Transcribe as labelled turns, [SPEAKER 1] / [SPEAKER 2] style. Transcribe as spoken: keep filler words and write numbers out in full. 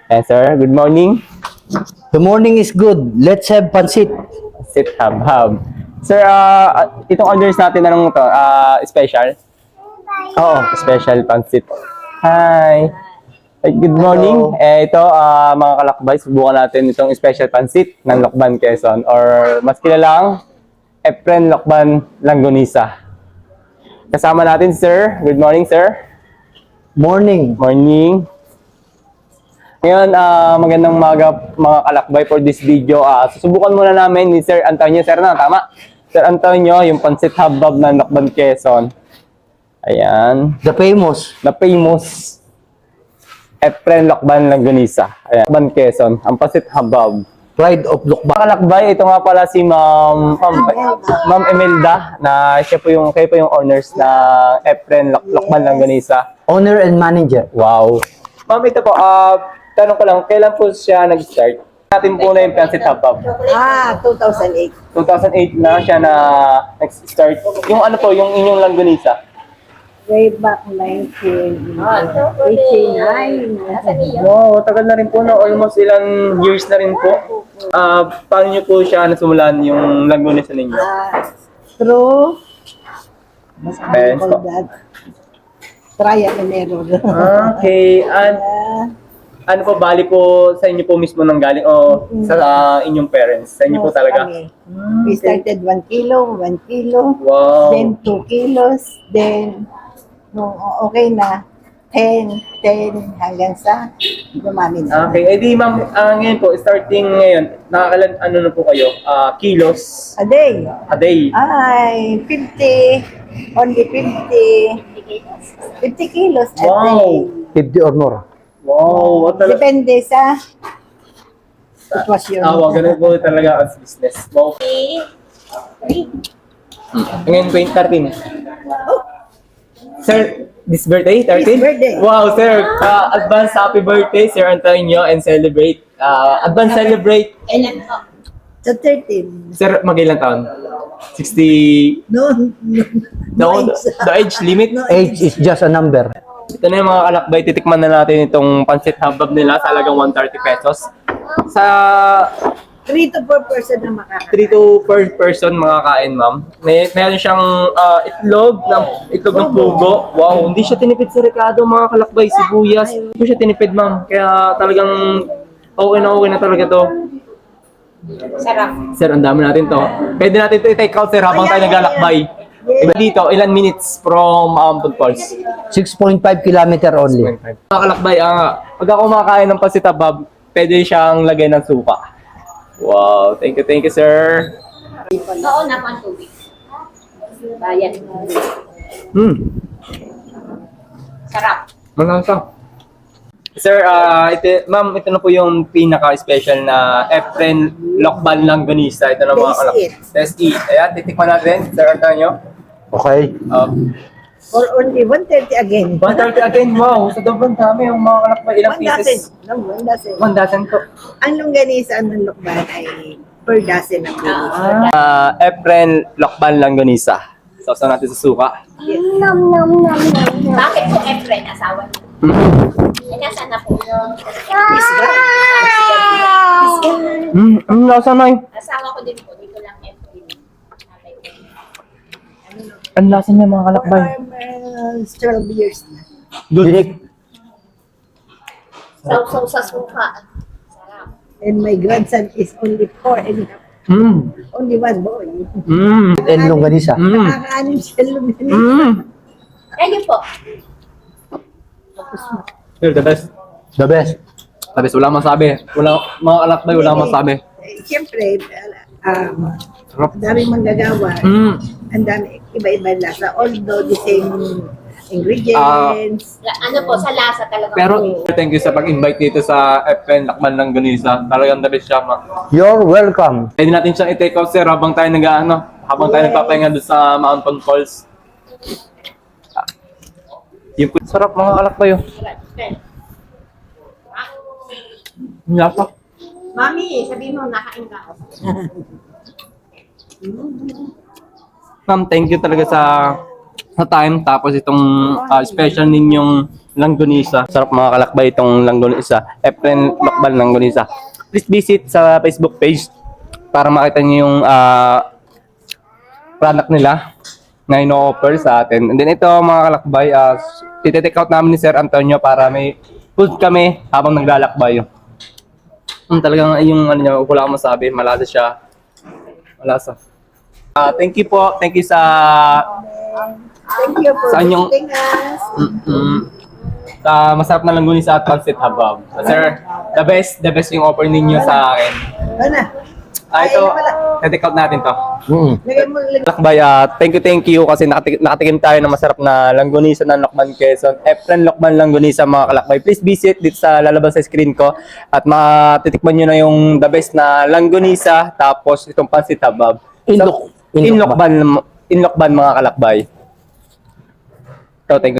[SPEAKER 1] Yes, sir. Good morning.
[SPEAKER 2] The morning is good. Let's have pansit.
[SPEAKER 1] Sit hub hub. Sir, ah, itong orders natin, anong to? Ah, special? Oo, special pansit. Hi. Eh, Good morning.
[SPEAKER 2] Hello.
[SPEAKER 1] Eh, ito, ah, mga kalakbay, subukan natin itong special pansit ng Lokban, Quezon. Or mas kilalang, Efren Lokban Langgonisa. Kasama natin, sir. Good morning, sir.
[SPEAKER 2] Morning.
[SPEAKER 1] Morning. Ngayon, ah, magandang umaga mga kalakbay for this video. Ah, susubukan muna namin ni Sir Antonio. Sir na, tama? Sir Antonio, yung pansit habab ng Lokban, Quezon. Ayan.
[SPEAKER 2] The famous.
[SPEAKER 1] Na famous Efren Lokban Langgonisa. Ayan. Lokban, Quezon. Ang pansit habab.
[SPEAKER 2] Pride of Lukban.
[SPEAKER 1] Mga kalakbay, ito nga pala si Ma'am Ma'am, Ma'am Emelda na siya po yung kayo po yung owners ng Efren Lok- Lokban Langgonisa.
[SPEAKER 2] Owner and manager.
[SPEAKER 1] Wow. Ma'am, ito po, ah, tanong ko lang, kailan po siya nag-start? Natin po na yung Pansit Habab.
[SPEAKER 3] Ah, two thousand eight.
[SPEAKER 1] two thousand eight na siya na nag-start. Yung ano po, yung inyong langgonisa.
[SPEAKER 3] Way back nineteen eighty-nine.
[SPEAKER 1] Wow, tagal na rin po na. Almost ilang years na rin po. Ah, paano niyo po siya nasimulan yung langgonisa ninyo?
[SPEAKER 3] Ah, through, what do
[SPEAKER 1] Ayan
[SPEAKER 3] you call
[SPEAKER 1] po.
[SPEAKER 3] that? Trial and error.
[SPEAKER 1] Okay, and
[SPEAKER 3] Ah,
[SPEAKER 1] ano po, bali po sa inyo po mismo nang galing o sa ah, inyong parents? Sa inyo po
[SPEAKER 3] most
[SPEAKER 1] talaga?
[SPEAKER 3] kami. We started one kilo, one kilo,
[SPEAKER 1] Wow.
[SPEAKER 3] then two kilos, then nung okay na, ten, ten, hanggang sa dumami na.
[SPEAKER 1] Okay, edi ma'am, ah, ngayon po, starting ngayon, nakakalan, ano na po kayo? Ah, kilos
[SPEAKER 3] A day.
[SPEAKER 1] a day.
[SPEAKER 3] Ay, fifty, only fifty, fifty kilos a
[SPEAKER 1] Wow.
[SPEAKER 3] day.
[SPEAKER 2] fifty or more.
[SPEAKER 1] Wow, what talaga?
[SPEAKER 3] Depende sa sitwasyon.
[SPEAKER 1] Ah, wow, ganun po talaga as business. Wow. Ngayon, twenty thirteen. Sir, this birthday, thirteen?
[SPEAKER 3] This birthday.
[SPEAKER 1] Wow, sir, ah, advance happy birthday, Sir Antonio, and celebrate. ah, advance celebrate.
[SPEAKER 3] Sa thirteen.
[SPEAKER 1] Sir, mag-ilang taon? sixty.
[SPEAKER 3] No, no,
[SPEAKER 1] The,
[SPEAKER 3] no age.
[SPEAKER 1] the age limit?
[SPEAKER 3] No
[SPEAKER 2] Age is just a number.
[SPEAKER 1] Ito na yung mga kalakbay, titikman na natin itong pansit habab nila sa halagang one hundred thirty pesos. Sa
[SPEAKER 3] Three to four person na makakain.
[SPEAKER 1] three to four person makakain, ma'am. May meron siyang ah, itlog ng itlog ng pugo. Wow, hindi siya tinipid sa rekado, mga kalakbay, sibuyas. Hindi siya tinipid, ma'am. Kaya talagang okay na okay na talaga to.
[SPEAKER 3] Sarap.
[SPEAKER 1] Sir, ang dami natin to. Pwede natin to i-take out, sir, habang tayo naglalakbay. Iba dito, ilan minutes from um, Food Falls?
[SPEAKER 2] six point five kilometer only.
[SPEAKER 1] Mga kalakbay, ah, pag ako kumakain ng pansit habab, pwede siyang lagay ng suka. Wow, thank you, thank you, sir.
[SPEAKER 4] Oo naman, tubig. Bayan.
[SPEAKER 1] Hmm,
[SPEAKER 4] Sarap.
[SPEAKER 1] malasa. Sir, ah, ito, ma'am, ito na po yung pinaka-special na Efren Lokban Langgonisa. Ito na mga
[SPEAKER 3] Taste
[SPEAKER 1] kalakbay.
[SPEAKER 3] it.
[SPEAKER 1] Taste it. Ayan, titikman natin, Sir Antonio.
[SPEAKER 2] Okay.
[SPEAKER 1] Um,
[SPEAKER 3] Or only one thirty again.
[SPEAKER 1] one thirty again, wow, sa sobrang dami yung mga kalakbay. Ilang
[SPEAKER 3] One dozen.
[SPEAKER 1] pieces?
[SPEAKER 3] No, one dozen.
[SPEAKER 1] One dozen po.
[SPEAKER 3] Ang longganisa ng lukban ay per dozen ang bilis.
[SPEAKER 1] Ah, Efren Lokban Langgonisa. Sausaw natin sa suka.
[SPEAKER 4] Bakit po Efren, asawa niyo? Eh, nasaan na po?
[SPEAKER 1] Hmm, ang lasa na yun.
[SPEAKER 4] Asawa ko din po, dito lang Efren. Nanay ko.
[SPEAKER 1] Ang lasa niya, mga kalakbay.
[SPEAKER 3] Uh, twelve years na.
[SPEAKER 2] Dinik.
[SPEAKER 4] Sausaw sa suka. Sarap.
[SPEAKER 3] And my grandson is only four and a half.
[SPEAKER 1] Hmm.
[SPEAKER 3] Only one boy.
[SPEAKER 1] Hmm.
[SPEAKER 2] And longganisa.
[SPEAKER 1] Hmm.
[SPEAKER 3] Nakakaanim siya luminis.
[SPEAKER 1] Hmm.
[SPEAKER 4] Ayun po.
[SPEAKER 1] Sir, the best.
[SPEAKER 2] The best.
[SPEAKER 1] The best. Wala masabi. Wala, mga kalakbay, wala masabi.
[SPEAKER 3] Eh, Siyempre, um,
[SPEAKER 1] Sarap.
[SPEAKER 3] ang daming manggagawa.
[SPEAKER 1] Hmm.
[SPEAKER 3] Ang dami, iba-iba lasa. Although the same ingredients.
[SPEAKER 4] La- Ano po, sa lasa talaga.
[SPEAKER 1] Pero, thank you sa pag-invite dito sa Efren Lokban Langgonisa. Talagang the best siya, ma.
[SPEAKER 2] You're welcome.
[SPEAKER 1] Pwede natin siyang i-take out, sir, habang tayo nag ano, habang tayo nagpapahinga doon sa Mountain Falls. Yung po, sarap mga kalakbay. Oh. Ang lasa.
[SPEAKER 4] Mami, sabihin mo, nakain ka.
[SPEAKER 1] Ma'am, thank you talaga sa sa time. Tapos itong ah, special ninyong langgonisa. Sarap mga kalakbay itong langgonisa. Efren Lokban langgonisa. Please visit sa Facebook page para makita niyo yung ah, product nila na ino-offer sa atin. And then ito mga kalakbay, uh, tititake out namin ni Sir Antonio para may food kami habang naglalakbay. Hmm, talagang yung ano niya, wala akong masabi, malasa siya. Malasa. Ah, thank you po. Thank you sa
[SPEAKER 3] Thank you for
[SPEAKER 1] Sa inyong-
[SPEAKER 3] visiting us.
[SPEAKER 1] mm, sa masarap na langgunisa at pancit habab. Sir, the best, the best yung offer ninyo sa akin.
[SPEAKER 3] Ano na?
[SPEAKER 1] Ah, ito, titake out natin to.
[SPEAKER 2] Mm.
[SPEAKER 3] Lagay mo, lagay.
[SPEAKER 1] Lakbay, ah, thank you, thank you kasi nakatikim, nakatikim tayo ng masarap na langgunisa ng Lokban Quezon. Efren Lokban Langgunisa mga kalakbay. Please visit dito sa lalabas sa screen ko at matitikman nyo na yung the best na langgunisa tapos itong pancit habab.
[SPEAKER 2] Inlok-
[SPEAKER 1] Inlokban, Inlokban mga kalakbay. So, thank you.